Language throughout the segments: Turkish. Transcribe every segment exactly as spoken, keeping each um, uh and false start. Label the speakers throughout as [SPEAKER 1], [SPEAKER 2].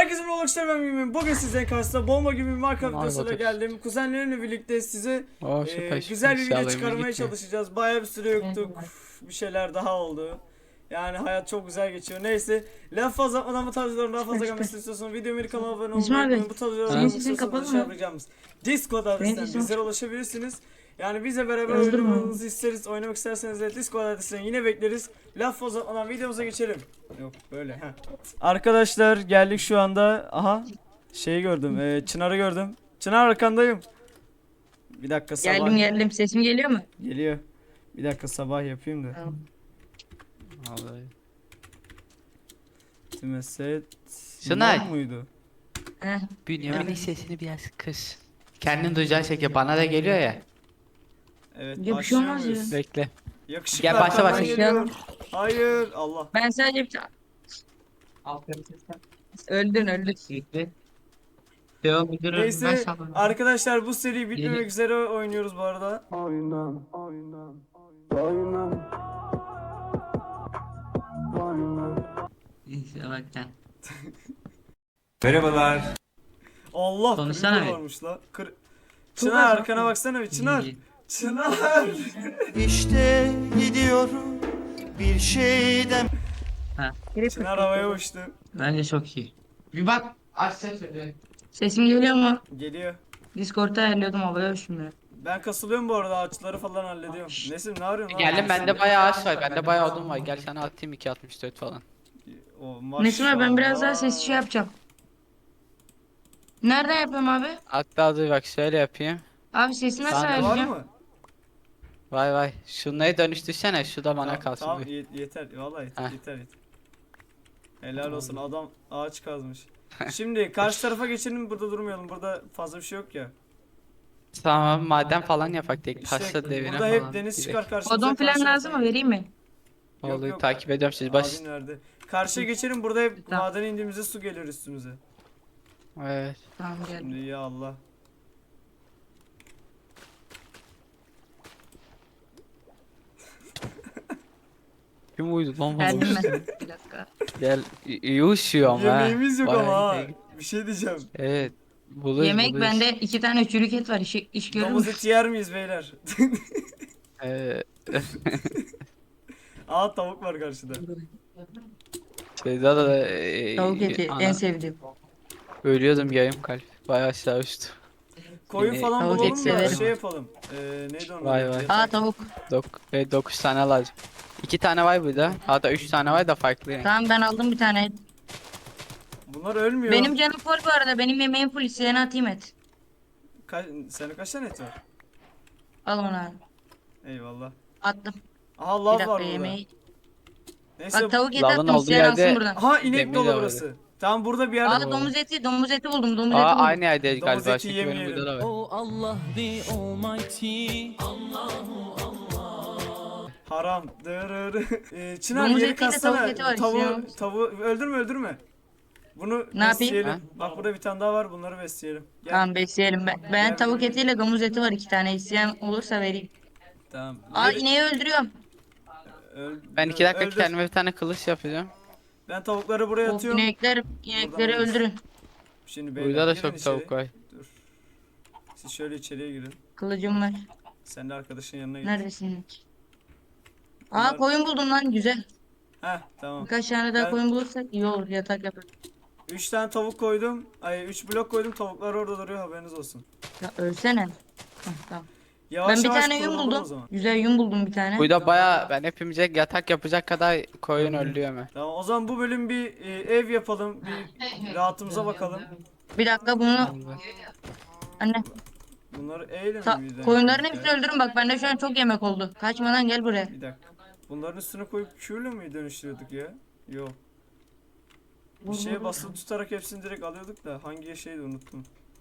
[SPEAKER 1] Herkese merhaba arkadaşlar, ben Mümin. Bugün sizlerin karşısında bomba gibi bir Minecraft videosuyla geldim. Kuzenlerimle birlikte size
[SPEAKER 2] Oh,
[SPEAKER 1] e,
[SPEAKER 2] süper,
[SPEAKER 1] güzel bir
[SPEAKER 2] süper.
[SPEAKER 1] video
[SPEAKER 2] İnşallah
[SPEAKER 1] çıkarmaya
[SPEAKER 2] gitmiyor.
[SPEAKER 1] çalışacağız. Bayağı bir süre yoktuk. Bir şeyler daha oldu. Yani hayat çok güzel geçiyor. Neyse, laf fazla atmadan bu tarz videoların daha fazla gelmesini istiyorsanız videomu bir kanala abone
[SPEAKER 3] İsmail
[SPEAKER 1] olmayı
[SPEAKER 3] Bey,
[SPEAKER 1] unutmayın. Bu tarz videoları
[SPEAKER 3] senin
[SPEAKER 1] görmek
[SPEAKER 3] sesin
[SPEAKER 1] istiyorsanız
[SPEAKER 3] kapalı
[SPEAKER 1] aşağıya
[SPEAKER 3] mı?
[SPEAKER 1] bırakacağımız Discord
[SPEAKER 3] Benim
[SPEAKER 1] adresinden
[SPEAKER 3] sesim
[SPEAKER 1] bizlere
[SPEAKER 3] açık.
[SPEAKER 1] ulaşabilirsiniz. Yani bizle beraber
[SPEAKER 3] Öldürme.
[SPEAKER 1] oynamanızı isteriz. Oynamak isterseniz de Discord adresinden yine bekleriz. Laf fazla atmadan videomuza geçelim. Yok böyle ha. Arkadaşlar geldik şu anda. Aha. Şeyi gördüm. E, Çınar'ı gördüm. Çınar arkandayım. Bir dakika sabah.
[SPEAKER 3] Geldim geldim. Sesim geliyor mu?
[SPEAKER 1] Geliyor. Bir dakika sabah yapayım da.
[SPEAKER 3] Tamam.
[SPEAKER 2] Vallahi.
[SPEAKER 1] Timeset.
[SPEAKER 2] Şunay.
[SPEAKER 1] Mor muydu?
[SPEAKER 3] Heh.
[SPEAKER 2] Bünyamin'in sesini biraz kıs. Kendin duyacağın şekilde bana da geliyor ya.
[SPEAKER 1] Evet.
[SPEAKER 3] Ya bir şey
[SPEAKER 1] başlıyor
[SPEAKER 3] olmaz
[SPEAKER 1] muyuz?
[SPEAKER 3] ya.
[SPEAKER 2] Bekle.
[SPEAKER 1] Yakışıklı
[SPEAKER 2] Gel, başla,
[SPEAKER 1] arkamdan
[SPEAKER 2] başla.
[SPEAKER 1] geliyor. Hayır. Allah.
[SPEAKER 3] Ben sadece bir tane... Öldün öldün.
[SPEAKER 4] Devam ediyorum. Ben
[SPEAKER 1] Neyse
[SPEAKER 4] sandım.
[SPEAKER 1] arkadaşlar, bu seri bitmemek
[SPEAKER 4] Yeni-
[SPEAKER 1] üzere oynuyoruz bu arada.
[SPEAKER 5] Oynan, oynan, oynan, oynan.
[SPEAKER 4] İşte bak sen.
[SPEAKER 6] Merhabalar.
[SPEAKER 1] Allah,
[SPEAKER 4] Konuşsana
[SPEAKER 1] creeper
[SPEAKER 4] bir.
[SPEAKER 1] varmış la. Kır... Çınar arkana baksana bir, Çınar.
[SPEAKER 4] İyi.
[SPEAKER 1] Çınar.
[SPEAKER 5] İşte gidiyorum bir şeyden.
[SPEAKER 1] Çınar havaya uçtu.
[SPEAKER 4] Bence çok iyi. Bir bak. Aç ses söyle.
[SPEAKER 3] Sesim geliyor mu?
[SPEAKER 1] Geliyor.
[SPEAKER 3] Discord'da ayarlıyordum, havaya uçmuyor.
[SPEAKER 1] Ben kasılıyorum bu arada, ağaçları falan hallediyorum. Nesin, ne arıyorsun lan?
[SPEAKER 2] Geldim, bende bayağı ağaç var. Bende bayağı odun var. Gel sana atayım iki altmış dört falan.
[SPEAKER 1] O,
[SPEAKER 3] Nesim abi, ben biraz daha
[SPEAKER 1] maşallah.
[SPEAKER 3] ses şey yapacağım. Nereden yapayım abi?
[SPEAKER 2] Hatta dur bak şöyle yapayım.
[SPEAKER 3] Abi sesi nasıl
[SPEAKER 2] Sende
[SPEAKER 1] Var
[SPEAKER 3] ayarlayacağım?
[SPEAKER 1] mı?
[SPEAKER 2] Vay vay. Şunları dönüştürsene. Şu da bana
[SPEAKER 1] Tamam,
[SPEAKER 2] kalsın.
[SPEAKER 1] tamam,
[SPEAKER 2] buyur.
[SPEAKER 1] ye- yeter. Vallahi yeter,
[SPEAKER 2] Heh.
[SPEAKER 1] yeter yeter. Helal olsun, adam ağaç kazmış. Şimdi karşı tarafa geçelim, burada durmayalım. Burada fazla bir şey yok ya.
[SPEAKER 2] Tamam, maden falan yapak tek.
[SPEAKER 1] İşte
[SPEAKER 2] Taşla devine
[SPEAKER 1] burada
[SPEAKER 2] falan.
[SPEAKER 1] hep deniz
[SPEAKER 2] Direkt.
[SPEAKER 1] çıkar karşımıza.
[SPEAKER 3] Odun falan
[SPEAKER 1] karşı
[SPEAKER 3] lazım mı?
[SPEAKER 1] tarafa-
[SPEAKER 3] Vereyim mi?
[SPEAKER 1] Yok,
[SPEAKER 2] Oldu,
[SPEAKER 1] yok.
[SPEAKER 2] takip ediyorum siz. Baş.
[SPEAKER 1] Abin nerede? Karşıya geçelim, burada hep
[SPEAKER 3] Tamam.
[SPEAKER 1] madene indiğimizde su gelir üstümüze.
[SPEAKER 2] Evet.
[SPEAKER 3] Tamam geldim.
[SPEAKER 1] Şimdi ya Allah.
[SPEAKER 2] Kim uydu lan bana?
[SPEAKER 3] Geldim ben. Bir dakika.
[SPEAKER 2] Gel. İyi iyi uşuyor ama ha.
[SPEAKER 1] Yemeğimiz yok
[SPEAKER 2] Bayağı
[SPEAKER 1] ama ha.
[SPEAKER 2] iyi.
[SPEAKER 1] Bir şey diyeceğim.
[SPEAKER 2] Evet. Buluruz,
[SPEAKER 3] Yemek
[SPEAKER 2] buluruz.
[SPEAKER 3] bende iki tane çürük et var. İş, iş görür
[SPEAKER 1] Domuz
[SPEAKER 3] mü?
[SPEAKER 1] eti yer miyiz beyler?
[SPEAKER 2] Ee,
[SPEAKER 1] Aa, tavuk var karşıda.
[SPEAKER 2] Şeyda da e,
[SPEAKER 3] Tavuk eti
[SPEAKER 2] ana-
[SPEAKER 3] en sevdiğim.
[SPEAKER 2] ölüyordum, yarım kalp. Bayağı aşağı uçtu.
[SPEAKER 1] Koyun
[SPEAKER 2] Yine
[SPEAKER 1] falan
[SPEAKER 3] tavuk
[SPEAKER 1] bulalım
[SPEAKER 3] eti
[SPEAKER 1] da
[SPEAKER 3] severim.
[SPEAKER 1] şey yapalım. Ee, neydi onun?
[SPEAKER 2] Vay
[SPEAKER 1] adı?
[SPEAKER 2] vay.
[SPEAKER 1] Yatak-
[SPEAKER 3] Aa tavuk.
[SPEAKER 2] Dok e, dokuz tane lazım. iki tane var burada. Hatta üç tane var da farklı yani.
[SPEAKER 3] Tamam, ben aldım bir tane et.
[SPEAKER 1] Bunlar ölmüyor.
[SPEAKER 3] Benim canım full bu arada. Benim yemeğim full. İsteyene atayım et.
[SPEAKER 1] Ka- senin kaç tane et var?
[SPEAKER 3] Al onu abi.
[SPEAKER 1] Eyvallah.
[SPEAKER 3] Attım.
[SPEAKER 1] Aha,
[SPEAKER 3] Bir
[SPEAKER 1] lav
[SPEAKER 3] dakika
[SPEAKER 1] var burada.
[SPEAKER 3] yemeği.
[SPEAKER 1] Neyse.
[SPEAKER 3] Bak tavuk eti
[SPEAKER 2] lavın
[SPEAKER 3] attım.
[SPEAKER 2] olduğu
[SPEAKER 3] İsteyen alsın
[SPEAKER 2] yerde-
[SPEAKER 3] buradan.
[SPEAKER 1] Aha, inek
[SPEAKER 2] Demir
[SPEAKER 1] dolu
[SPEAKER 2] de var.
[SPEAKER 1] burası. Tamam, burada bir yerde.
[SPEAKER 3] Aa domuz eti. Domuz eti buldum. Domuz
[SPEAKER 2] Aa,
[SPEAKER 3] eti buldum.
[SPEAKER 2] aynı yerdeyiz
[SPEAKER 1] Domuz
[SPEAKER 2] galiba.
[SPEAKER 1] eti
[SPEAKER 2] Çünkü benim
[SPEAKER 1] yemeyelim.
[SPEAKER 2] burada da var.
[SPEAKER 7] Oh Allah the Almighty.
[SPEAKER 1] Haram. Dırırı. Ee, Çınar,
[SPEAKER 3] Domuz
[SPEAKER 1] yeri
[SPEAKER 3] etiyle
[SPEAKER 1] katsana.
[SPEAKER 3] tavuk eti var,
[SPEAKER 1] Tavuğu,
[SPEAKER 3] isteyen
[SPEAKER 1] tavuğu öldürme öldürme. Bunu
[SPEAKER 3] Ne yapayım?
[SPEAKER 1] besleyelim.
[SPEAKER 2] Ha?
[SPEAKER 1] Bak, burada bir tane daha var, bunları besleyelim. Gel.
[SPEAKER 3] Tamam besleyelim. Ben, ben tavuk etiyle domuz eti var. iki tane. İsteyen olursa vereyim.
[SPEAKER 1] Tamam.
[SPEAKER 3] Aa
[SPEAKER 1] Yeri-
[SPEAKER 3] ineği öldürüyorum.
[SPEAKER 1] Öl-
[SPEAKER 2] Ben iki dakika
[SPEAKER 1] öldür.
[SPEAKER 2] kendime bir tane kılıç yapacağım.
[SPEAKER 1] Ben tavukları buraya
[SPEAKER 3] Of,
[SPEAKER 1] atıyorum.
[SPEAKER 3] inekler, inekleri
[SPEAKER 1] alırız.
[SPEAKER 3] öldürün.
[SPEAKER 1] Şimdi beyler,
[SPEAKER 2] Burada da
[SPEAKER 1] girin
[SPEAKER 2] çok
[SPEAKER 1] içeri.
[SPEAKER 2] tavuk var.
[SPEAKER 1] Dur. Siz şöyle içeriye girin.
[SPEAKER 3] Kılıcım var.
[SPEAKER 1] Sen de arkadaşın yanına git.
[SPEAKER 3] Neredesin inek?
[SPEAKER 1] Bunlar-
[SPEAKER 3] Aa koyun buldum lan, güzel.
[SPEAKER 1] Heh, tamam.
[SPEAKER 3] Birkaç tane daha
[SPEAKER 1] Ben-
[SPEAKER 3] koyun bulursak iyi olur, yatak yaparız.
[SPEAKER 1] Üç tane tavuk koydum. Ay, üç blok koydum. Tavuklar orada duruyor, haberiniz olsun.
[SPEAKER 3] Ya ölsene. Heh, tamam.
[SPEAKER 1] Yavaş
[SPEAKER 3] Ben bir
[SPEAKER 1] yavaş
[SPEAKER 3] tane yün
[SPEAKER 1] kurulur o
[SPEAKER 3] buldum.
[SPEAKER 1] zaman.
[SPEAKER 3] Güzel yün buldum bir tane.
[SPEAKER 2] Burada bayağı ben hepimize yatak yapacak kadar koyun öldürüyor mu?
[SPEAKER 1] Tamam, o zaman bu bölüm bir e, ev yapalım. Bir rahatımıza bakalım.
[SPEAKER 3] Bir dakika bunu... Anne,
[SPEAKER 1] Bunları eğelim
[SPEAKER 3] ta-
[SPEAKER 1] mi birden?
[SPEAKER 3] koyunların hepsini öldürün bak, bende şu an çok yemek oldu. Kaçmadan gel buraya.
[SPEAKER 1] Bir dakika. Bunların üstüne koyup Q'yle mi dönüştürüyorduk ya? Yok. Bir şeye basılı tutarak hepsini direkt alıyorduk da hangi şeydi unuttum.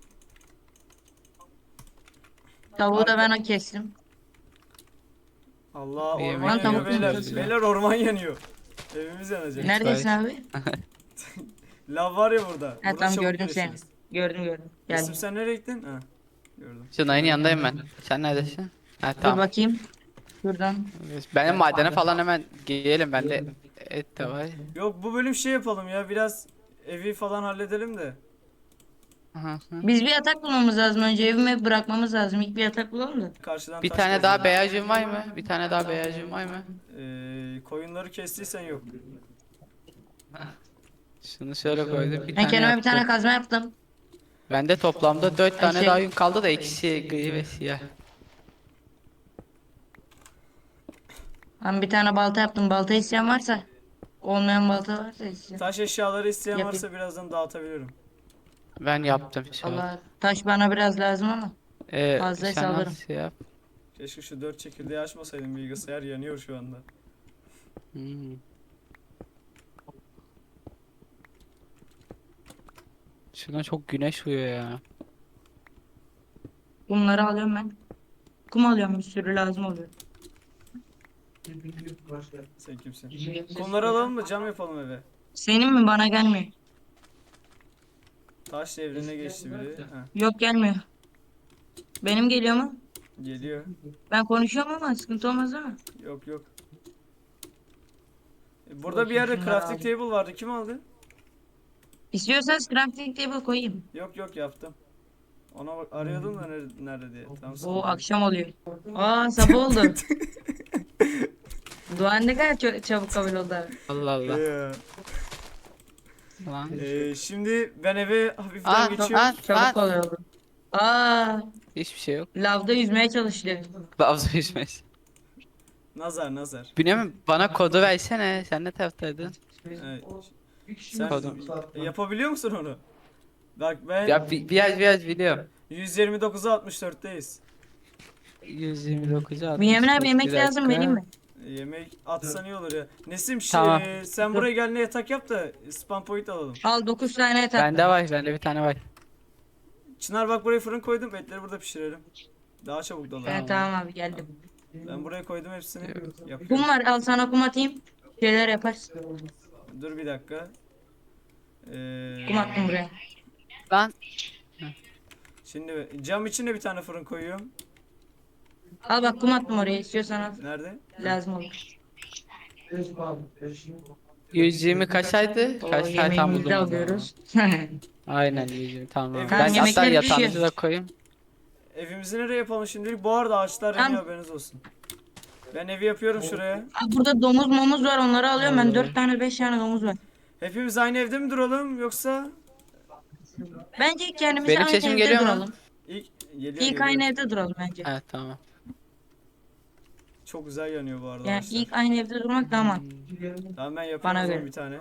[SPEAKER 3] Tavuğu da ben kestim.
[SPEAKER 1] Allah,
[SPEAKER 2] İyi,
[SPEAKER 1] orman
[SPEAKER 2] yemek
[SPEAKER 1] yanıyor
[SPEAKER 3] tavuk
[SPEAKER 1] beyler.
[SPEAKER 3] yiyoruz ya.
[SPEAKER 1] Beyler, orman yanıyor. Evimiz yanacak.
[SPEAKER 3] Neredesin abi?
[SPEAKER 1] Lav var ya burada.
[SPEAKER 3] Ha
[SPEAKER 1] Burada
[SPEAKER 3] tamam,
[SPEAKER 1] çabuk
[SPEAKER 3] gördüm seni.
[SPEAKER 1] gelişiriz.
[SPEAKER 3] Gördüm gördüm. Gel.
[SPEAKER 1] Resim, sen nereye gittin? Ha. Gördüm.
[SPEAKER 2] Şunayın yanındayım ben. Sen neredesin? Ha
[SPEAKER 3] Dur
[SPEAKER 2] tamam.
[SPEAKER 3] bakayım. Şuradan.
[SPEAKER 2] Benim madene falan hemen girelim. Bende et de var.
[SPEAKER 1] Yok, bu bölüm şey yapalım ya, biraz evi falan halledelim de.
[SPEAKER 2] Hı hı.
[SPEAKER 3] Biz bir yatak bulmamız lazım önce. Evime bırakmamız lazım. İlk bir yatak bulalım da.
[SPEAKER 1] Karşıdan
[SPEAKER 2] Bir
[SPEAKER 1] taş
[SPEAKER 2] tane
[SPEAKER 1] kazalım.
[SPEAKER 2] daha beyazcım var mı? Bir tane daha beyazcım var mı?
[SPEAKER 1] Ee, koyunları kestiysen yok.
[SPEAKER 2] Şunu şöyle koydum. Bir
[SPEAKER 3] Ben
[SPEAKER 2] tane
[SPEAKER 3] kendime bir tane
[SPEAKER 2] yaptım.
[SPEAKER 3] kazma yaptım.
[SPEAKER 2] Bende toplamda dört tane
[SPEAKER 3] şey-
[SPEAKER 2] daha yün kaldı da ikisi gri ve siyah.
[SPEAKER 3] Ben bir tane balta yaptım. Balta isteyen varsa. Olmayan balta varsa isteyen.
[SPEAKER 1] Taş eşyaları isteyen
[SPEAKER 3] Yapayım.
[SPEAKER 1] varsa birazdan dağıtabilirim.
[SPEAKER 2] Ben yaptım şu an.
[SPEAKER 3] Allah taş bana biraz lazım ama.
[SPEAKER 2] Ee,
[SPEAKER 3] fazlaysa
[SPEAKER 2] sen
[SPEAKER 3] alırım.
[SPEAKER 2] nasıl yap?
[SPEAKER 1] Keşke şu dört çekirdeği açmasaydım, bilgisayar yanıyor şu anda.
[SPEAKER 2] Hmm. Şuna çok güneş vuruyor ya.
[SPEAKER 3] Bunları alıyorum ben. Kum alıyorum, bir sürü lazım oluyor.
[SPEAKER 1] Sen kimsin? Kumları alalım mı? Cam yapalım eve.
[SPEAKER 3] Senin mi, bana gelmiyor.
[SPEAKER 1] Taş devrine geçti biri. Heh,
[SPEAKER 3] Yok, gelmiyor. Benim geliyor mu?
[SPEAKER 1] geliyor.
[SPEAKER 3] Ben konuşuyorum ama sıkıntı olmaz değil mi?
[SPEAKER 1] Yok yok. E, Burada bir yerde
[SPEAKER 3] Şunları
[SPEAKER 1] crafting
[SPEAKER 3] alayım.
[SPEAKER 1] table vardı. Kim aldı?
[SPEAKER 3] İstiyorsanız crafting table koyayım.
[SPEAKER 1] Yok yok, yaptım. Ona bak, arıyordum da nerede, nerede diye. Tamam, sıkıntı
[SPEAKER 3] O
[SPEAKER 1] yok.
[SPEAKER 3] akşam oluyor. Aa, sabah oldu. Dua ne kadar çö- çabuk kabul oldu abi.
[SPEAKER 2] Allah Allah.
[SPEAKER 1] Ee,
[SPEAKER 2] Lan.
[SPEAKER 1] e, şimdi ben eve hafiften
[SPEAKER 2] Aa,
[SPEAKER 1] geçiyorum.
[SPEAKER 2] lan,
[SPEAKER 3] Çabuk
[SPEAKER 2] lan.
[SPEAKER 3] kolay oldu. Aa,
[SPEAKER 2] Hiçbir şey yok.
[SPEAKER 3] lavda yüzmeye çalışıyor.
[SPEAKER 2] Babza yüzmez.
[SPEAKER 1] Nazar nazar.
[SPEAKER 2] Bünyamin bana kodu versene. Sen ne taraftaydın?
[SPEAKER 1] Evet. Sen
[SPEAKER 2] Kodu.
[SPEAKER 1] yapabiliyor musun onu? Bak ben
[SPEAKER 2] Ya bi- biraz biraz biliyorum.
[SPEAKER 1] yüz yirmi dokuza altmış dörtteyiz.
[SPEAKER 2] yüz yirmi dokuza
[SPEAKER 3] Bünyamin abi,
[SPEAKER 2] altmış dört,
[SPEAKER 3] yemek
[SPEAKER 2] bir
[SPEAKER 3] lazım,
[SPEAKER 2] dakika.
[SPEAKER 3] vereyim mi?
[SPEAKER 1] Yemek atsan iyi olur ya. Nesim şey,
[SPEAKER 2] Tamam.
[SPEAKER 1] sen buraya gel, ne yatak yap da spam point alalım.
[SPEAKER 3] Al dokuz tane et at.
[SPEAKER 2] Bende var, bende bir tane var.
[SPEAKER 1] Çınar bak, buraya fırın koydum, etleri burada pişirelim. Daha çabuk dolar.
[SPEAKER 3] Evet, tamam abi, geldim.
[SPEAKER 1] Ben buraya koydum hepsini.
[SPEAKER 3] Kum
[SPEAKER 1] Yapıyorum.
[SPEAKER 3] var, al sana kum atayım. Şeyler yaparsın.
[SPEAKER 1] Dur bir dakika. Ee,
[SPEAKER 3] Kum attım buraya.
[SPEAKER 2] Lan
[SPEAKER 1] Şimdi cam için de bir tane fırın koyuyorum.
[SPEAKER 3] Al bak, kum attım oraya, istiyorsan al.
[SPEAKER 1] Nerede?
[SPEAKER 3] Lazım olur.
[SPEAKER 2] yüz yirmi kaçaydı?
[SPEAKER 3] O
[SPEAKER 2] Kaç tane tam
[SPEAKER 3] yemeğimizi de
[SPEAKER 2] buldum.
[SPEAKER 3] alıyoruz.
[SPEAKER 2] Aynen yüz yirmi tamam.
[SPEAKER 1] Tamam,
[SPEAKER 2] Ben hatta
[SPEAKER 3] yemekleri
[SPEAKER 2] yatağınızı
[SPEAKER 3] pişiyor.
[SPEAKER 2] da koyayım.
[SPEAKER 1] Evimizi nereye yapalım şimdilik? Bu arada ağaçlar
[SPEAKER 3] Tamam.
[SPEAKER 1] yanıyor, haberiniz olsun. Ben evi yapıyorum şuraya.
[SPEAKER 3] Aa, burada domuz momuz var, onları alıyorum ben.
[SPEAKER 2] Vallahi.
[SPEAKER 3] Dört tane beş tane domuz var.
[SPEAKER 1] Hepimiz aynı evde mi duralım yoksa
[SPEAKER 3] Bence ilk kendimize
[SPEAKER 2] Benim
[SPEAKER 3] aynı
[SPEAKER 2] sesim
[SPEAKER 3] evde
[SPEAKER 2] geliyor mu?
[SPEAKER 3] duralım.
[SPEAKER 1] ilk geliyor,
[SPEAKER 3] İlk
[SPEAKER 1] geliyor.
[SPEAKER 3] aynı evde duralım bence.
[SPEAKER 2] Evet tamam.
[SPEAKER 1] Çok güzel yanıyor bu arada
[SPEAKER 3] Yani
[SPEAKER 1] ağaçlar.
[SPEAKER 3] ilk aynı evde durmak daha mantıklı.
[SPEAKER 1] Tamam, ben yapıyorum
[SPEAKER 3] Bana
[SPEAKER 1] o zaman
[SPEAKER 3] göre.
[SPEAKER 1] bir tane.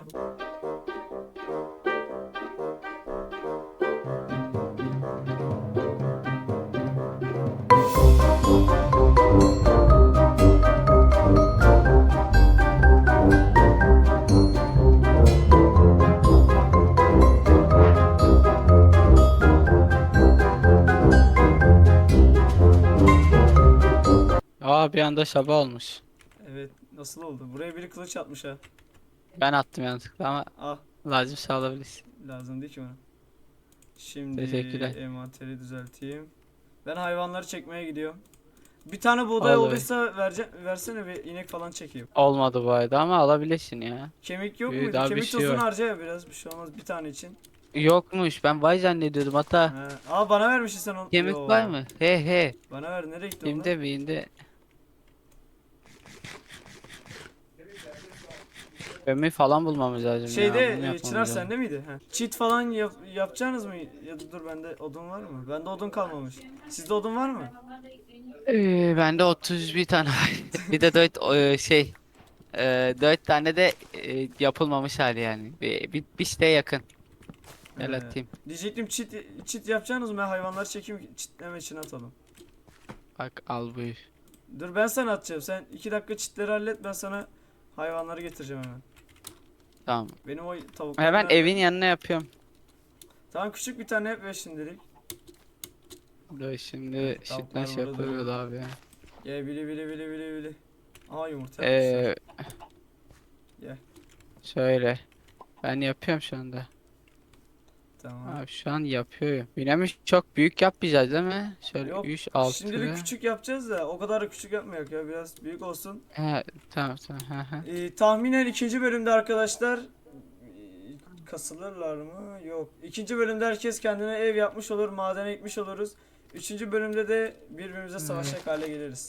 [SPEAKER 2] Aa bir anda sabah olmuş.
[SPEAKER 1] Evet, nasıl oldu? Buraya biri kılıç atmış ha.
[SPEAKER 2] Ben attım yanlışlıkla ama
[SPEAKER 1] Ah,
[SPEAKER 2] lazım sağlayabilirsin.
[SPEAKER 1] lazım değil ki bana. Şimdi
[SPEAKER 2] Teşekkürler.
[SPEAKER 1] envanteri düzelteyim. Ben hayvanları çekmeye gidiyorum. Bir tane buğday
[SPEAKER 2] Olur.
[SPEAKER 1] olduysa verce versene, bir inek falan çekeyim.
[SPEAKER 2] Olmadı bu arada ama alabilirsin ya.
[SPEAKER 1] Kemik yok
[SPEAKER 2] Ee,
[SPEAKER 1] muydu?
[SPEAKER 2] daha bir
[SPEAKER 1] Kemik
[SPEAKER 2] şey
[SPEAKER 1] tozunu
[SPEAKER 2] var.
[SPEAKER 1] harca ya biraz, bir şey olmaz, bir tane için.
[SPEAKER 2] Yokmuş ben vay zannediyordum hatta.
[SPEAKER 1] He. Aa, bana vermişsin sen onu.
[SPEAKER 2] Kemik
[SPEAKER 1] Yo.
[SPEAKER 2] var mı? He he.
[SPEAKER 1] Bana ver, nereye gitti
[SPEAKER 2] Binde
[SPEAKER 1] onlar?
[SPEAKER 2] binde. Ömür falan bulmamız lazım
[SPEAKER 1] Şeyde
[SPEAKER 2] ya. bunu
[SPEAKER 1] e,
[SPEAKER 2] yapmamız
[SPEAKER 1] Çınar
[SPEAKER 2] lazım.
[SPEAKER 1] sende miydi? He. Cheat falan yap yapacaksınız mı? Ya da dur, bende odun var mı? Bende odun kalmamış. Sizde odun var mı?
[SPEAKER 2] Ee, bende otuz bir tane var. Bir de dört e, şey e, dört tane de e, yapılmamış hali yani. Bir, bir, bir siteye yakın. Gel
[SPEAKER 1] He.
[SPEAKER 2] atayım.
[SPEAKER 1] Diyecektim, cheat, cheat yapacaksınız mı? Ben hayvanları çekeyim, cheatleme için atalım.
[SPEAKER 2] Bak al buyur.
[SPEAKER 1] Dur, ben sana atacağım. Sen iki dakika cheatleri hallet, ben sana hayvanları getireceğim hemen.
[SPEAKER 2] Tamam.
[SPEAKER 1] Benim o tavuklar
[SPEAKER 2] Hemen
[SPEAKER 1] nerede?
[SPEAKER 2] evin yanına yapıyorum.
[SPEAKER 1] Tamam, küçük bir tane yap ver şimdilik.
[SPEAKER 2] Dur şimdi
[SPEAKER 1] Tavuklar
[SPEAKER 2] sütlaç
[SPEAKER 1] burada
[SPEAKER 2] yapıyoruz abi.
[SPEAKER 1] Gel, bili bili bili bili bili. Aha, yumurta yapmışlar.
[SPEAKER 2] Ee,
[SPEAKER 1] Gel.
[SPEAKER 2] şöyle. Ben yapıyorum şu anda.
[SPEAKER 1] Tamam.
[SPEAKER 2] Abi şu an yapıyorum. Binamış çok büyük yapmayacağız değil mi? Şöyle
[SPEAKER 1] Yok,
[SPEAKER 2] üç altı.
[SPEAKER 1] şimdilik küçük yapacağız da o kadar da küçük yapmayak ya, biraz büyük olsun.
[SPEAKER 2] He, tamam tamam. Hı hı.
[SPEAKER 1] Ee, tahminen ikinci bölümde arkadaşlar, e, kasılırlar mı? Yok. İkinci bölümde herkes kendine ev yapmış olur, madene gitmiş oluruz. Üçüncü bölümde de birbirimize savaşacak hale geliriz.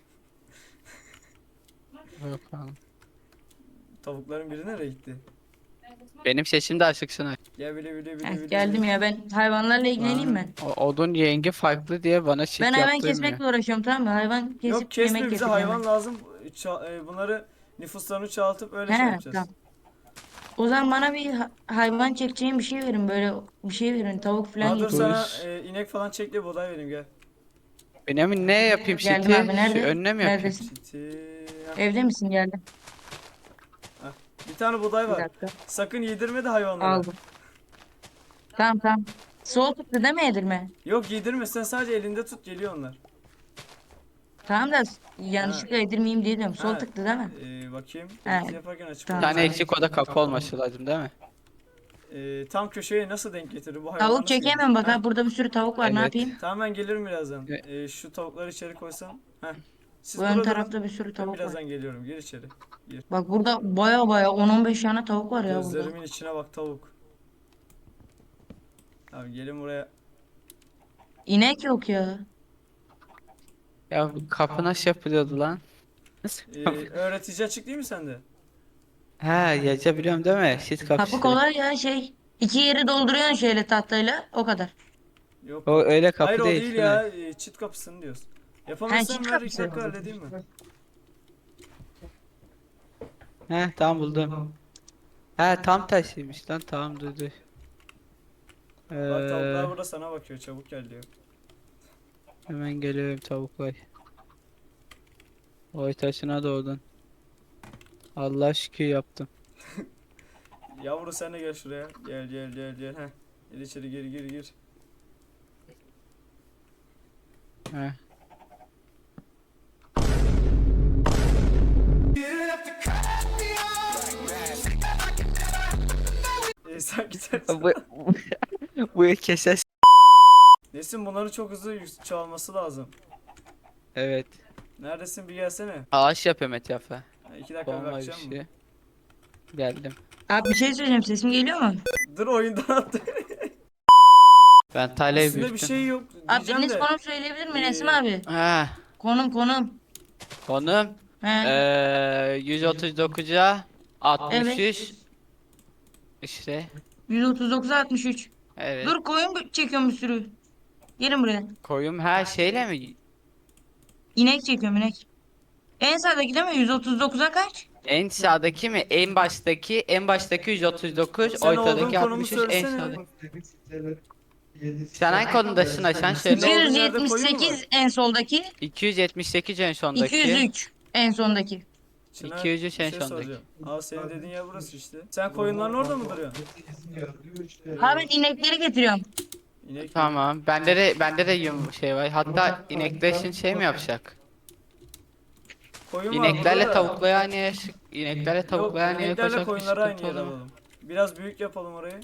[SPEAKER 2] Bakalım.
[SPEAKER 1] Tavukların biri nereye gitti?
[SPEAKER 2] Benim sesim de açık Çınar.
[SPEAKER 1] Gel bile bile bile
[SPEAKER 3] Heh,
[SPEAKER 1] bile.
[SPEAKER 3] geldim ya, ben hayvanlarla ilgileneyim ben.
[SPEAKER 2] O, odun yengi farklı diye bana çift
[SPEAKER 3] Ben hayvan
[SPEAKER 2] yaptırmıyor.
[SPEAKER 3] kesmekle uğraşıyorum, tamam mı? Hayvan kesip
[SPEAKER 1] Yok kesme,
[SPEAKER 3] yemek
[SPEAKER 1] bize
[SPEAKER 3] getireceğim
[SPEAKER 1] hayvan
[SPEAKER 3] ben.
[SPEAKER 1] lazım. Ça- e, bunları nüfuslarını çoğaltıp öyle şey
[SPEAKER 3] He,
[SPEAKER 1] yapacağız.
[SPEAKER 3] tamam. O zaman bana bir ha- hayvan çekeceğim bir şey verin, böyle bir şey verin, tavuk falan
[SPEAKER 1] Aa, dur
[SPEAKER 3] getirin.
[SPEAKER 1] sana
[SPEAKER 2] Dur.
[SPEAKER 1] e, inek falan çek de buğday vereyim gel.
[SPEAKER 2] Benim ne yapayım
[SPEAKER 3] Geldim
[SPEAKER 2] şiti?
[SPEAKER 3] abi, nerede?
[SPEAKER 2] Şu önüne mi yapayım?
[SPEAKER 3] Neredesin?
[SPEAKER 1] Çiti.
[SPEAKER 3] Evde misin? Geldim.
[SPEAKER 1] Bir tane buğday
[SPEAKER 3] Bir
[SPEAKER 1] var.
[SPEAKER 3] dakika.
[SPEAKER 1] Sakın yedirme de hayvanlara.
[SPEAKER 3] Aldım. Tamam tamam. Soğuk tuttu değil mi yedirme?
[SPEAKER 1] Yok yedirme, sen sadece elinde tut, geliyor onlar.
[SPEAKER 3] Tamam da yanlışlıkla yedirmeyeyim diye diyorum. Sol
[SPEAKER 1] Ha,
[SPEAKER 3] tıktı değil mi?
[SPEAKER 1] e, bakayım.
[SPEAKER 3] He,
[SPEAKER 1] Edit yaparken açık
[SPEAKER 3] tamam.
[SPEAKER 2] Bir
[SPEAKER 1] olacak.
[SPEAKER 2] tane eksik oda kapı olması lazım değil mi?
[SPEAKER 1] E, tam köşeye nasıl denk getirir bu hayvan?
[SPEAKER 3] Tavuk çekemem bak ha, burada bir sürü tavuk var, ne
[SPEAKER 2] Evet.
[SPEAKER 3] yapayım?
[SPEAKER 1] Tamam ben gelirim birazdan.
[SPEAKER 2] Evet.
[SPEAKER 1] E, şu tavukları içeri koysam. Heh. Siz
[SPEAKER 3] Bu ön
[SPEAKER 1] burada durun.
[SPEAKER 3] tarafta bir sürü
[SPEAKER 1] Ben
[SPEAKER 3] tavuk var.
[SPEAKER 1] birazdan geliyorum. Gir içeri. Gir.
[SPEAKER 3] Bak burada baya baya on on beş tane tavuk var ya burada.
[SPEAKER 1] Gözlerimin içine bak tavuk. Abi gelin buraya.
[SPEAKER 3] İnek yok ya.
[SPEAKER 2] Ya bu kapı nasıl yapılıyordu lan?
[SPEAKER 1] E, öğretici açık değil mi sende?
[SPEAKER 2] Ha, yazabiliyorum değil mi? Şit
[SPEAKER 3] Kapı
[SPEAKER 2] kapısı.
[SPEAKER 3] kolay ya, şey. İki yeri dolduruyorsun şöyle tahtayla, o kadar.
[SPEAKER 1] Yok.
[SPEAKER 2] O öyle kapı
[SPEAKER 1] Hayır o
[SPEAKER 2] değil.
[SPEAKER 1] değil
[SPEAKER 2] Çınar.
[SPEAKER 1] ya. e, Çit kapısını diyoruz.
[SPEAKER 3] Ha,
[SPEAKER 1] Yapamazsan
[SPEAKER 3] çit
[SPEAKER 1] ver iki
[SPEAKER 3] kapısı.
[SPEAKER 1] dakika halledeyim mi?
[SPEAKER 2] He, tamam buldum. He, tam tersiymiş lan, tamam dur dur.
[SPEAKER 1] Bak tavuklar
[SPEAKER 2] Ee,
[SPEAKER 1] burada sana bakıyor. Çabuk gel diyor.
[SPEAKER 2] hemen geliyorum tavuklar. Oy taşına doğdun. Allah şükür yaptım.
[SPEAKER 1] Yavru sen de gel şuraya. Gel gel gel gel. Heh. Gel içeri, gir gir gir.
[SPEAKER 2] He.
[SPEAKER 1] E, sen gidersin.
[SPEAKER 2] bu bu keses.
[SPEAKER 1] Nesin, bunları çok hızlı yük- çoğalması lazım.
[SPEAKER 2] Evet.
[SPEAKER 1] Neredesin, bir gelsene.
[SPEAKER 2] Ağaç yapıyorum etrafa.
[SPEAKER 1] Ha, iki dakika
[SPEAKER 2] Bomba bir
[SPEAKER 1] bakacağım mı?
[SPEAKER 2] şey. Geldim.
[SPEAKER 3] Abi bir şey söyleyeceğim, sesim geliyor mu?
[SPEAKER 1] Dur oyundan attı.
[SPEAKER 2] Ben taleyi
[SPEAKER 1] Üstünde bir
[SPEAKER 2] büyüttüm.
[SPEAKER 1] şey yok
[SPEAKER 3] Abi
[SPEAKER 1] diyeceğim
[SPEAKER 3] biriniz
[SPEAKER 1] de.
[SPEAKER 3] konum söyleyebilir mi
[SPEAKER 1] Ee,
[SPEAKER 3] Nesim abi?
[SPEAKER 2] Ha,
[SPEAKER 3] Konum konum.
[SPEAKER 2] konum.
[SPEAKER 3] He.
[SPEAKER 2] Ee, yüz otuz dokuza altmış üç. İşte.
[SPEAKER 3] yüz otuz dokuz altmış üç.
[SPEAKER 2] Evet.
[SPEAKER 3] Dur, koyun çekiyorum bir sürü. Gelin buraya.
[SPEAKER 2] Koyum her şeyle mi?
[SPEAKER 3] İnek çekiyorum, inek. En sağdaki değil mi? yüz otuz dokuza kaç?
[SPEAKER 2] En sağdaki mi? En baştaki, en baştaki yüz otuz dokuz,
[SPEAKER 1] Sen olduğun
[SPEAKER 2] ortadaki
[SPEAKER 1] konumu
[SPEAKER 2] altmış üç, en
[SPEAKER 1] söylesene.
[SPEAKER 2] sağdaki. Sen hangi konumdasın Aşan söyle.
[SPEAKER 1] olduğun yerde koyun mu var?
[SPEAKER 3] iki yüz yetmiş sekiz en soldaki.
[SPEAKER 2] iki yüz yetmiş sekiz en sondaki.
[SPEAKER 3] iki yüz üç en sondaki.
[SPEAKER 1] Çınar,
[SPEAKER 2] iki yüz üç
[SPEAKER 1] bir
[SPEAKER 2] en
[SPEAKER 1] şey
[SPEAKER 2] sondaki.
[SPEAKER 1] soracağım. Aa, senin dediğin yer burası işte. Sen koyunların orada mı duruyorsun?
[SPEAKER 3] Ha, ben inekleri getiriyorum.
[SPEAKER 1] İnek.
[SPEAKER 2] Tamam. Bende de bende de yum şey var. Hatta inekler için şey mi yapacak?
[SPEAKER 1] Koyun var
[SPEAKER 2] İneklerle
[SPEAKER 1] burada da.
[SPEAKER 2] tavukları aynı yere sık- ineklerle
[SPEAKER 1] Yok,
[SPEAKER 2] tavukları aynı yere
[SPEAKER 1] ineklerle
[SPEAKER 2] koysak bir
[SPEAKER 1] koyunları aynı
[SPEAKER 2] sıkıntı
[SPEAKER 1] yere
[SPEAKER 2] olur mu?
[SPEAKER 1] alalım. Biraz büyük yapalım orayı.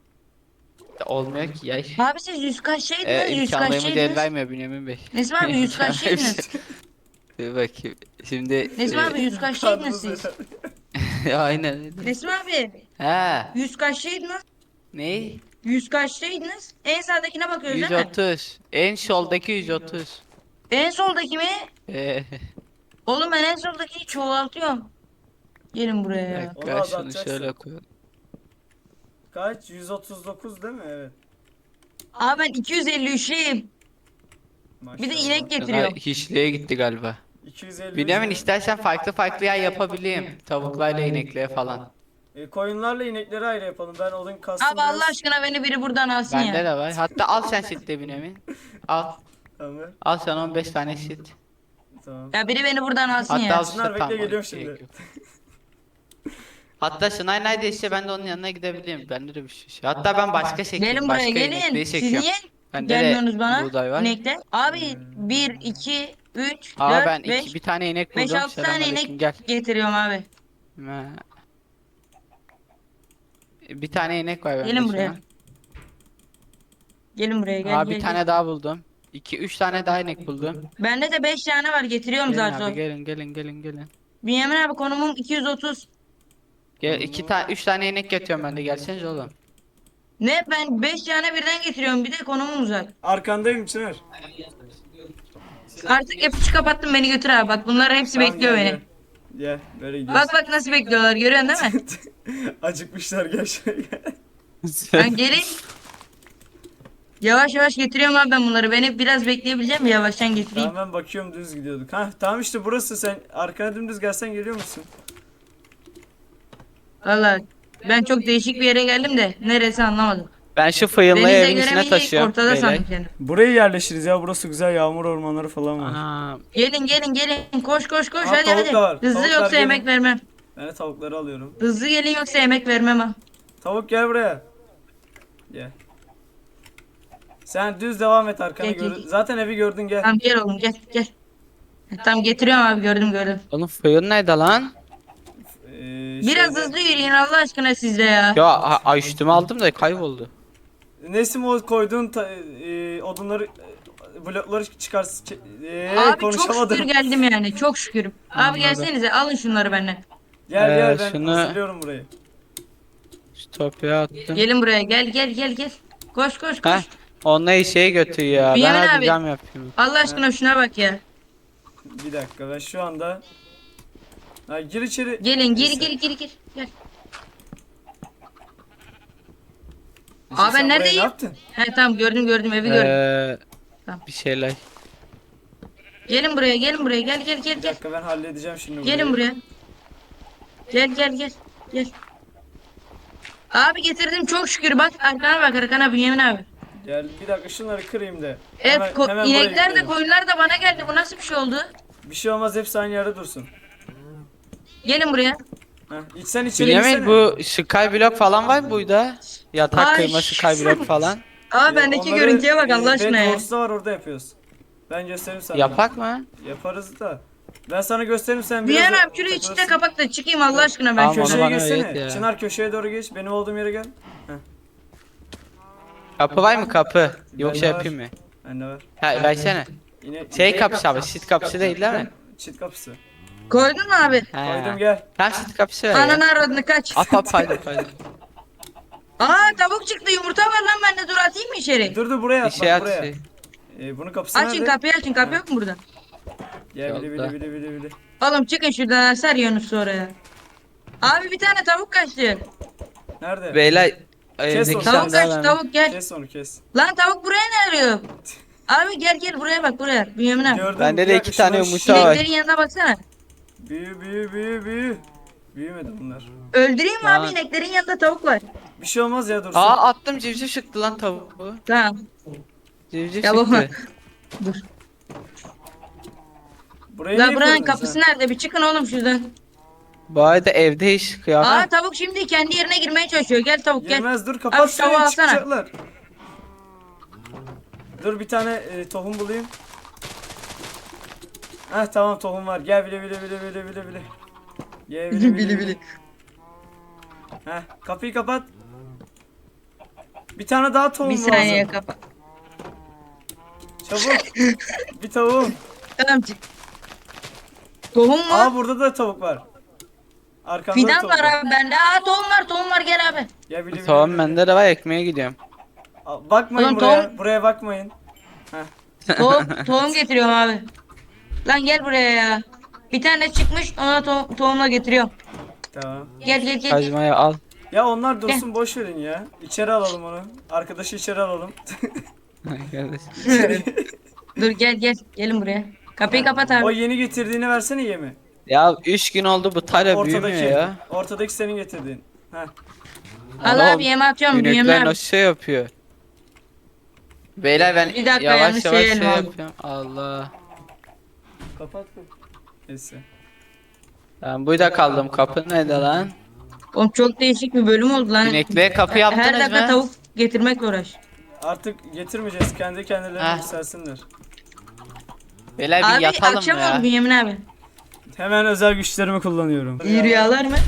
[SPEAKER 2] Olmuyor ki ya.
[SPEAKER 3] Abi siz yüz kaçtaydınız?
[SPEAKER 2] Ee,
[SPEAKER 3] yüz
[SPEAKER 2] imkanlarımız el
[SPEAKER 3] kaçtaydınız?
[SPEAKER 2] vermiyor Bünyamin Bey.
[SPEAKER 3] Nesim abi yüz kaçtaydınız?
[SPEAKER 2] Dur bakayım. Şimdi
[SPEAKER 3] Nesim
[SPEAKER 2] e,
[SPEAKER 3] abi yüz kaçtaydınız
[SPEAKER 1] Karnımız
[SPEAKER 3] siz?
[SPEAKER 1] öyle.
[SPEAKER 2] aynen öyle.
[SPEAKER 3] Nesim abi
[SPEAKER 2] Ha,
[SPEAKER 3] yüz kaçtaydınız?
[SPEAKER 2] ne?
[SPEAKER 3] yüz kaçtaydınız? En sağdakine bakıyoruz değil mi?
[SPEAKER 2] yüz otuz. En soldaki yüz otuz.
[SPEAKER 3] En soldaki mi?
[SPEAKER 2] Ee,
[SPEAKER 3] Oğlum ben en soldaki çoğaltıyorum. Gelin buraya
[SPEAKER 2] bir
[SPEAKER 3] ya.
[SPEAKER 1] Onu
[SPEAKER 2] dakika şunu
[SPEAKER 1] azaltacaksın.
[SPEAKER 2] şöyle koyalım.
[SPEAKER 1] Kaç? yüz otuz dokuz değil mi? Evet.
[SPEAKER 3] Abi ben iki yüz elli üç'eyim. Bir de
[SPEAKER 1] Maşallah.
[SPEAKER 3] inek
[SPEAKER 2] Şuna
[SPEAKER 3] getiriyorum.
[SPEAKER 2] hiçliğe gitti galiba.
[SPEAKER 1] iki yüz elli.
[SPEAKER 2] Bünyamin istersen farklı farklı yer yapabileyim. Tavuklarla inekle falan.
[SPEAKER 1] E, koyunlarla inekleri ayrı yapalım. Ben odun kastım
[SPEAKER 3] Abi Allah aşkına beni biri buradan alsın
[SPEAKER 2] Bende
[SPEAKER 3] ya.
[SPEAKER 2] de var. Hatta al sen şitle Bünyamin. Al.
[SPEAKER 1] Tamam.
[SPEAKER 2] Al sen on beş tane şit.
[SPEAKER 1] Tamam.
[SPEAKER 3] Ya biri beni buradan alsın
[SPEAKER 2] Hatta
[SPEAKER 3] ya.
[SPEAKER 2] al
[SPEAKER 1] Çınar,
[SPEAKER 2] işte
[SPEAKER 1] bekle,
[SPEAKER 2] tamam.
[SPEAKER 1] geliyorum
[SPEAKER 2] gerek
[SPEAKER 1] şimdi.
[SPEAKER 2] yok. Hatta Şınay neredeyse ben de onun yanına gidebilirim. Bende de bir şey. Hatta ben başka çekiyorum.
[SPEAKER 3] Gelin
[SPEAKER 2] Başka
[SPEAKER 3] buraya gelin.
[SPEAKER 2] inekleri
[SPEAKER 3] Siz
[SPEAKER 2] çekiyorum.
[SPEAKER 3] niye
[SPEAKER 2] Bende de
[SPEAKER 3] gelmiyorsunuz bana?
[SPEAKER 2] buğday var.
[SPEAKER 3] İnekler. Abi bir, iki, üç,
[SPEAKER 2] Aa ben
[SPEAKER 3] dört, beş,
[SPEAKER 2] iki, bir tane inek
[SPEAKER 3] beş,
[SPEAKER 2] buldum.
[SPEAKER 3] altı tane
[SPEAKER 2] Selamünaleyküm,
[SPEAKER 3] inek
[SPEAKER 2] gel.
[SPEAKER 3] getiriyorum abi.
[SPEAKER 2] Ha. Bir tane inek var bende
[SPEAKER 3] Gelin
[SPEAKER 2] şu
[SPEAKER 3] buraya.
[SPEAKER 2] an.
[SPEAKER 3] Gelin buraya gel
[SPEAKER 2] Aa
[SPEAKER 3] gel.
[SPEAKER 2] bir
[SPEAKER 3] gel.
[SPEAKER 2] tane daha buldum. İki, üç tane daha inek buldum.
[SPEAKER 3] Bende de beş tane var, getiriyorum
[SPEAKER 2] Gelin
[SPEAKER 3] zaten.
[SPEAKER 2] abi gelin gelin gelin gelin.
[SPEAKER 3] Bünyamin abi konumum iki yüz otuz.
[SPEAKER 2] Gel iki tane üç tane inek getiriyorum ben de gelseniz oğlum.
[SPEAKER 3] Ne ben beş tane birden getiriyorum bir de konumum uzak.
[SPEAKER 1] Arkandayım Çınar.
[SPEAKER 3] Artık yapıcı kapattım beni götür abi bak bunlar hepsi
[SPEAKER 1] Tamam,
[SPEAKER 3] bekliyor
[SPEAKER 1] gel,
[SPEAKER 3] beni.
[SPEAKER 1] Gel. Gel böyle gidiyoruz.
[SPEAKER 3] Bak bak nasıl bekliyorlar görüyorsun değil mi?
[SPEAKER 1] Acıkmışlar gel şuraya gel.
[SPEAKER 3] Ben gelin. Yavaş yavaş getiriyorum abi ben bunları. Beni biraz bekleyebileceğim mi? Yavaştan getireyim.
[SPEAKER 1] Tamam ben bakıyorum düz gidiyorduk. Ha tamam işte burası, sen arkana dümdüz gelsen geliyor musun?
[SPEAKER 3] Valla ben çok değişik bir yere geldim de neresi anlamadım.
[SPEAKER 2] Ben şu fıyılmayı
[SPEAKER 3] Denize
[SPEAKER 2] evin içine
[SPEAKER 3] göremeyecek
[SPEAKER 2] taşıyorum.
[SPEAKER 3] ortada
[SPEAKER 2] beyler.
[SPEAKER 3] sandım kendimi.
[SPEAKER 1] Buraya yerleşiriz ya, burası güzel, yağmur ormanları falan var.
[SPEAKER 2] Aa,
[SPEAKER 3] Gelin gelin gelin koş koş koş
[SPEAKER 1] Aa,
[SPEAKER 3] hadi
[SPEAKER 1] tavuk
[SPEAKER 3] hadi.
[SPEAKER 1] da var.
[SPEAKER 3] Hızlı
[SPEAKER 1] Tavuklar
[SPEAKER 3] yoksa
[SPEAKER 1] gelin.
[SPEAKER 3] yemek vermem.
[SPEAKER 1] Ben de tavukları alıyorum.
[SPEAKER 3] Hızlı gelin yoksa yemek vermem ha.
[SPEAKER 1] Tavuk gel buraya. Gel. Sen düz devam et, arkana
[SPEAKER 3] Gel, gel,
[SPEAKER 1] gör.
[SPEAKER 3] gel.
[SPEAKER 1] Zaten evi gördün, gel.
[SPEAKER 3] Tamam gel oğlum gel gel. Tamam getiriyorum abi gördüm gördüm.
[SPEAKER 2] oğlum fıyıl nerede lan?
[SPEAKER 1] Ee,
[SPEAKER 3] Biraz
[SPEAKER 1] şeyde-
[SPEAKER 3] hızlı yürüyün Allah aşkına sizde ya.
[SPEAKER 2] Ya a- a- üstüme aldım da kayboldu.
[SPEAKER 1] Nesim o koyduğun ta- e, odunları, e, blokları çıkar. E,
[SPEAKER 3] Abi çok
[SPEAKER 1] konuşamadım.
[SPEAKER 3] şükür geldim yani çok şükür. Abi gelsenize alın şunları benden.
[SPEAKER 1] Gel
[SPEAKER 2] Ee,
[SPEAKER 1] gel ben
[SPEAKER 2] şunu-
[SPEAKER 1] hazırlıyorum burayı.
[SPEAKER 2] Stopya attım.
[SPEAKER 3] Gelin buraya gel gel gel gel. Koş koş koş.
[SPEAKER 2] Heh. Onunla şeye götür ya. Ben
[SPEAKER 3] Bünyamin
[SPEAKER 2] hadi
[SPEAKER 3] abi.
[SPEAKER 2] cam yapayım.
[SPEAKER 3] Allah aşkına şuna bak ya.
[SPEAKER 1] Bir dakika, ben şu anda. Ha, gir içeri.
[SPEAKER 3] Gelin gir
[SPEAKER 1] Neyse.
[SPEAKER 3] gir gir gir. Gel.
[SPEAKER 1] Neyse,
[SPEAKER 3] Abi ben
[SPEAKER 1] sen buraya
[SPEAKER 3] neredeyim?
[SPEAKER 1] Ne yaptın?
[SPEAKER 3] He tamam gördüm gördüm evi gördüm.
[SPEAKER 2] Ee,
[SPEAKER 3] Tamam.
[SPEAKER 2] bir şeyler.
[SPEAKER 3] Gelin buraya gelin buraya gel gel gel
[SPEAKER 1] Bir
[SPEAKER 3] gel.
[SPEAKER 1] dakika, ben halledeceğim şimdi burayı.
[SPEAKER 3] Gelin buraya. Gel gel gel. Gel. Abi getirdim çok şükür bak arkana bak arkana Bünyamin abi.
[SPEAKER 1] Gel bir dakika, şunları kırayım da.
[SPEAKER 3] Evet
[SPEAKER 1] Hemen-
[SPEAKER 3] ko-
[SPEAKER 1] hemen buraya
[SPEAKER 3] inekler de
[SPEAKER 1] gidelim.
[SPEAKER 3] koyunlar da bana geldi bu nasıl bir şey oldu?
[SPEAKER 1] Bir şey olmaz, hepsi aynı yerde dursun.
[SPEAKER 3] Gelin buraya.
[SPEAKER 1] Heh, iç sen içeri
[SPEAKER 2] Bünyamin
[SPEAKER 1] girsene.
[SPEAKER 2] bu skyblock falan var mı burada? Yatak
[SPEAKER 3] Ay,
[SPEAKER 2] kıyma skyblock falan.
[SPEAKER 3] Aa
[SPEAKER 1] Ee,
[SPEAKER 3] bendeki
[SPEAKER 1] onları,
[SPEAKER 3] görüntüye bak
[SPEAKER 1] e,
[SPEAKER 3] Allah aşkına ya.
[SPEAKER 1] Bedwars'ta var, orada yapıyoruz. Ben göstereyim sana.
[SPEAKER 2] Yapak mı?
[SPEAKER 1] Yaparız da. Ben sana gösteririm, sen biraz.
[SPEAKER 3] Bünyamin
[SPEAKER 1] da
[SPEAKER 3] abi şurayı içinde
[SPEAKER 1] takılırsın.
[SPEAKER 3] kapak da çıkayım Allah aşkına ben
[SPEAKER 2] Tamam,
[SPEAKER 3] şöyle.
[SPEAKER 2] onu
[SPEAKER 1] Köşeye
[SPEAKER 2] bana
[SPEAKER 1] geçsene.
[SPEAKER 2] öğret ya.
[SPEAKER 1] Çınar köşeye doğru geç. Benim olduğum yere gel.
[SPEAKER 2] Kapı var mı kapı? Yoksa
[SPEAKER 1] Bende var.
[SPEAKER 2] yapayım mı?
[SPEAKER 1] Bende var.
[SPEAKER 2] Ha versene.
[SPEAKER 1] Yine
[SPEAKER 2] Şey kapısı abi, sit kapısı değil değil mi?
[SPEAKER 1] çit kapısı.
[SPEAKER 3] Koydun mu abi?
[SPEAKER 1] Koydum,
[SPEAKER 2] He.
[SPEAKER 1] gel.
[SPEAKER 2] Tam sit kapısı ver ya.
[SPEAKER 3] Ananı aradını kaç.
[SPEAKER 2] At at paydı paydı.
[SPEAKER 3] Aa tavuk çıktı yumurta var lan ben de dur atayım mı içeri?
[SPEAKER 1] Dur dur, buraya
[SPEAKER 2] Bir
[SPEAKER 1] at,
[SPEAKER 2] şey
[SPEAKER 1] bak
[SPEAKER 2] at
[SPEAKER 1] buraya.
[SPEAKER 2] şey.
[SPEAKER 1] Ee, bunun kapısı
[SPEAKER 3] Açın
[SPEAKER 1] nerede?
[SPEAKER 3] kapıyı açın kapı yok mu burada?
[SPEAKER 1] Gel bili
[SPEAKER 2] Yolda.
[SPEAKER 1] bili bili bili bili.
[SPEAKER 3] Oğlum çıkın şuradan asar Yunus oraya. Abi bir tane tavuk kaçtı.
[SPEAKER 1] Nerede?
[SPEAKER 2] Beyler
[SPEAKER 1] Kes
[SPEAKER 2] evdeki
[SPEAKER 1] onu.
[SPEAKER 3] Tavuk
[SPEAKER 2] sandığa
[SPEAKER 3] kaçtı
[SPEAKER 2] verme.
[SPEAKER 3] tavuk gel.
[SPEAKER 1] Kes onu, kes.
[SPEAKER 3] Lan tavuk buraya ne arıyor? Abi gel gel buraya bak buraya. Bünyamin abi.
[SPEAKER 1] Gördün mü?
[SPEAKER 2] Bende
[SPEAKER 1] Bir
[SPEAKER 2] de
[SPEAKER 1] dakika,
[SPEAKER 2] iki tane
[SPEAKER 1] şunları-
[SPEAKER 2] yumurta var.
[SPEAKER 3] İneklerin yanına baksana.
[SPEAKER 1] Büyü büyü büyü büyü. Büyümedi bunlar.
[SPEAKER 3] Öldüreyim mi abi
[SPEAKER 2] Lan.
[SPEAKER 3] ineklerin yanında tavuk var.
[SPEAKER 1] Bir şey olmaz ya, dursun.
[SPEAKER 2] Aa attım, civciv çıktı lan tavuğu.
[SPEAKER 3] Tamam.
[SPEAKER 2] Civciv
[SPEAKER 3] Ya baba.
[SPEAKER 2] çıktı.
[SPEAKER 3] Dur.
[SPEAKER 1] Burayı
[SPEAKER 3] La
[SPEAKER 1] niye
[SPEAKER 3] buranın
[SPEAKER 1] kırdın
[SPEAKER 3] kapısı
[SPEAKER 1] sen?
[SPEAKER 3] nerede? Bir çıkın oğlum şuradan.
[SPEAKER 2] Bu arada evde iş
[SPEAKER 3] Aa
[SPEAKER 2] kıyafet.
[SPEAKER 3] tavuk şimdi kendi yerine girmeye çalışıyor. Gel tavuk gel.
[SPEAKER 1] Girmez, dur
[SPEAKER 3] Abi
[SPEAKER 1] kapat
[SPEAKER 3] şu tavuğu
[SPEAKER 1] şurayı,
[SPEAKER 3] alsana.
[SPEAKER 1] çıkacaklar. Dur bir tane e, tohum bulayım. Heh tamam, tohum var. Gel bile bile bile bile bile bile. Gel bile bile bile. Heh, kapıyı kapat. Bir tane daha tohum
[SPEAKER 3] Bir
[SPEAKER 1] lazım.
[SPEAKER 3] saniye kapa.
[SPEAKER 1] Çabuk. Bir tavuğum.
[SPEAKER 3] Tamam çık. Tohum mu?
[SPEAKER 1] Aa burada da tavuk var. Arkamda da
[SPEAKER 3] Fidan
[SPEAKER 1] tavuk
[SPEAKER 3] var abi bende. Aa tohum var tohum var gel abi.
[SPEAKER 1] Gel bile bile
[SPEAKER 2] Tamam
[SPEAKER 1] bile.
[SPEAKER 2] bende de var, ekmeğe gidiyorum.
[SPEAKER 1] Aa, bakmayın
[SPEAKER 3] Oğlum,
[SPEAKER 1] buraya.
[SPEAKER 3] tohum-
[SPEAKER 1] Buraya bakmayın.
[SPEAKER 3] Tohum, tohum getiriyorum abi. Lan gel buraya ya. Bir tane çıkmış ona to- tohumla getiriyorum.
[SPEAKER 1] Tamam.
[SPEAKER 3] Gel gel gel.
[SPEAKER 2] Kazmayı al.
[SPEAKER 1] Ya onlar dursun, boş verin ya. İçeri alalım onu. Arkadaşı içeri alalım.
[SPEAKER 2] Kardeş.
[SPEAKER 3] Dur gel gel. Gelin buraya. Kapıyı kapat
[SPEAKER 1] O
[SPEAKER 3] abi.
[SPEAKER 1] yeni getirdiğini versene yemi.
[SPEAKER 2] Ya üç gün oldu bu tara büyümüyor
[SPEAKER 1] Ortadaki.
[SPEAKER 2] ya.
[SPEAKER 1] Ortadaki senin getirdiğin. Heh.
[SPEAKER 3] Al
[SPEAKER 2] Allah'ım,
[SPEAKER 3] abi yeme atıyorum. Yeme
[SPEAKER 2] İnekler
[SPEAKER 3] abi.
[SPEAKER 2] nasıl şey yapıyor? Beyler ben
[SPEAKER 3] Bir dakika,
[SPEAKER 2] yavaş
[SPEAKER 3] yanlış
[SPEAKER 2] yavaş
[SPEAKER 3] şey
[SPEAKER 2] şey
[SPEAKER 3] elime aldım.
[SPEAKER 2] yapıyorum. Allah.
[SPEAKER 1] Kapat. Neyse.
[SPEAKER 2] Ben burada kaldım. Kapı nerede lan?
[SPEAKER 3] Oğlum çok değişik bir bölüm oldu lan.
[SPEAKER 2] İnekliğe kapı
[SPEAKER 3] Her
[SPEAKER 2] yaptınız
[SPEAKER 3] dakika
[SPEAKER 2] mı?
[SPEAKER 3] tavuk getirmekle uğraş.
[SPEAKER 1] Artık getirmeyeceğiz. Kendi kendilerine
[SPEAKER 2] Heh.
[SPEAKER 1] yükselsinler.
[SPEAKER 2] Beyler bir
[SPEAKER 3] Abi
[SPEAKER 2] yatalım
[SPEAKER 3] akşam
[SPEAKER 2] ya.
[SPEAKER 3] oldu Bünyamin abi.
[SPEAKER 1] Hemen özel güçlerimi kullanıyorum.
[SPEAKER 3] İyi rüyalar mı?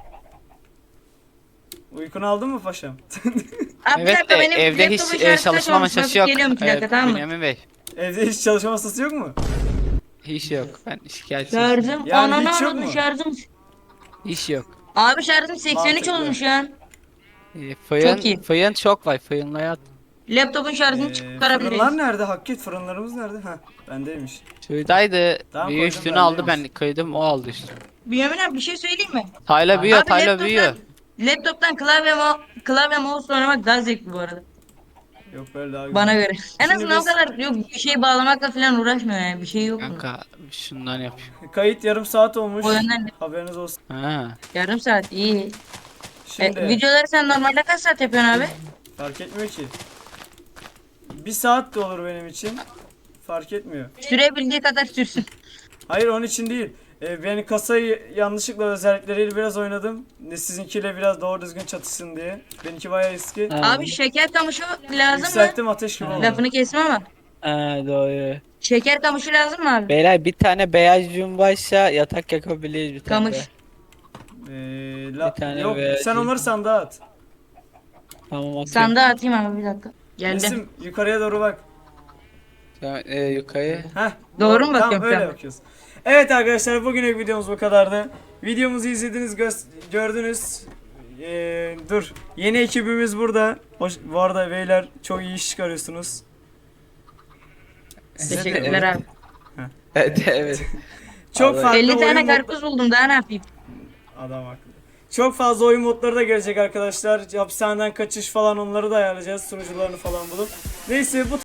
[SPEAKER 1] Uykunu aldın mı paşam?
[SPEAKER 3] Abi bir
[SPEAKER 2] Evet
[SPEAKER 3] dakika
[SPEAKER 2] de
[SPEAKER 3] benim
[SPEAKER 2] evde
[SPEAKER 3] laptopun
[SPEAKER 2] hiç
[SPEAKER 3] şarjı
[SPEAKER 2] e,
[SPEAKER 3] kaç
[SPEAKER 2] çalışma
[SPEAKER 3] olmuş?
[SPEAKER 2] masası
[SPEAKER 3] Bakıp
[SPEAKER 2] yok.
[SPEAKER 3] Geliyorum iki dakika
[SPEAKER 2] Ee,
[SPEAKER 3] tamam mı?
[SPEAKER 2] Bünyamin Bey.
[SPEAKER 1] Evde hiç çalışma masası yok mu?
[SPEAKER 2] Hiç yok. Ben şikayetçiyim.
[SPEAKER 3] Şarjım
[SPEAKER 1] Yani hiç
[SPEAKER 3] ananı
[SPEAKER 1] yok
[SPEAKER 3] anladım
[SPEAKER 1] mu?
[SPEAKER 3] şarjım.
[SPEAKER 2] Hiç yok.
[SPEAKER 3] Abi şarjım seksen üç
[SPEAKER 1] Mantıklı.
[SPEAKER 3] olmuş ya.
[SPEAKER 2] Ee, Fıyın,
[SPEAKER 3] Çok iyi.
[SPEAKER 2] fıyın çok var. Fıyınla yat.
[SPEAKER 3] Laptopun şarjını
[SPEAKER 1] Ee,
[SPEAKER 3] çıkarabiliriz.
[SPEAKER 1] fırınlar nerede? Hakkı fırınlarımız nerede? Ha, bendeymiş.
[SPEAKER 2] Şuradaydı.
[SPEAKER 1] Tamam,
[SPEAKER 2] büyü
[SPEAKER 1] koydum,
[SPEAKER 2] üstünü
[SPEAKER 1] ben
[SPEAKER 2] aldı,
[SPEAKER 1] neymiş?
[SPEAKER 2] ben kıydım, o aldı üstünü.
[SPEAKER 3] Bünyamin abi bir şey söyleyeyim mi?
[SPEAKER 2] Tayla büyüyor,
[SPEAKER 3] Abi
[SPEAKER 2] Tayla
[SPEAKER 3] laptoptan,
[SPEAKER 2] büyüyor.
[SPEAKER 3] laptoptan klavye, mo klavye mouse oynamak daha zevkli bu arada.
[SPEAKER 1] Yok böyle daha güzel.
[SPEAKER 3] Bana göre. En
[SPEAKER 1] Şimdi
[SPEAKER 3] azından
[SPEAKER 1] biz-
[SPEAKER 3] o kadar yok bir şey bağlamakla falan uğraşmıyor yani. Bir şey yok mu?
[SPEAKER 2] Kanka şundan yapıyor.
[SPEAKER 1] Kayıt yarım saat olmuş.
[SPEAKER 3] O yönden de-
[SPEAKER 1] Haberiniz olsun.
[SPEAKER 2] Ha.
[SPEAKER 1] Yarım
[SPEAKER 3] saat iyi.
[SPEAKER 1] Şimdi
[SPEAKER 3] E, videoları sen normalde kaç saat yapıyorsun abi?
[SPEAKER 1] fark etmiyor ki. Bir saat de olur benim için. Fark etmiyor.
[SPEAKER 3] Sürebildiği kadar sürsün.
[SPEAKER 1] Hayır, onun için değil. Ee, ben kasayı yanlışlıkla özellikleriyle biraz oynadım. Ne sizinkiyle biraz doğru düzgün çatışsın diye. Benimki bayağı eski.
[SPEAKER 3] Abi şeker kamışı lazım mı?
[SPEAKER 1] Yükselttim, ateş gibi oldu.
[SPEAKER 3] Lafını kesme ama.
[SPEAKER 2] Ha, doğru.
[SPEAKER 3] Şeker kamışı lazım mı abi?
[SPEAKER 2] Beyler bir tane beyaz cumbaysa yatak yakabiliriz bir tane.
[SPEAKER 3] Kamış.
[SPEAKER 2] de.
[SPEAKER 1] Ee, la-
[SPEAKER 2] Bir tane
[SPEAKER 1] yok
[SPEAKER 2] ve-
[SPEAKER 1] sen onları sandığa at.
[SPEAKER 2] Tamam, atıyorum.
[SPEAKER 3] Sandığa atayım abi bir dakika. Geldim.
[SPEAKER 1] Resim yukarıya doğru bak.
[SPEAKER 2] Tamam, e, yukarı.
[SPEAKER 1] Heh,
[SPEAKER 3] Doğru mu
[SPEAKER 1] Tamam,
[SPEAKER 3] bakıyorum
[SPEAKER 1] öyle
[SPEAKER 3] şu an?
[SPEAKER 1] bakıyoruz. Evet arkadaşlar, bugünlük videomuz bu kadardı. Videomuzu izlediniz, gö- gördünüz. Ee, dur. Yeni ekibimiz burada. Hoş, bu arada beyler çok iyi iş çıkarıyorsunuz. Size de-
[SPEAKER 3] Teşekkürler abi.
[SPEAKER 2] Evet, evet.
[SPEAKER 1] Çok
[SPEAKER 2] Vallahi-
[SPEAKER 1] farklı
[SPEAKER 3] elli
[SPEAKER 1] oyun
[SPEAKER 3] tane
[SPEAKER 1] mod-
[SPEAKER 3] karpuz buldum daha ne yapayım?
[SPEAKER 1] Adam haklı. Çok fazla oyun modları da gelecek arkadaşlar. Hapishaneden kaçış falan, onları da ayarlayacağız. Sunucularını falan bulup. Neyse bu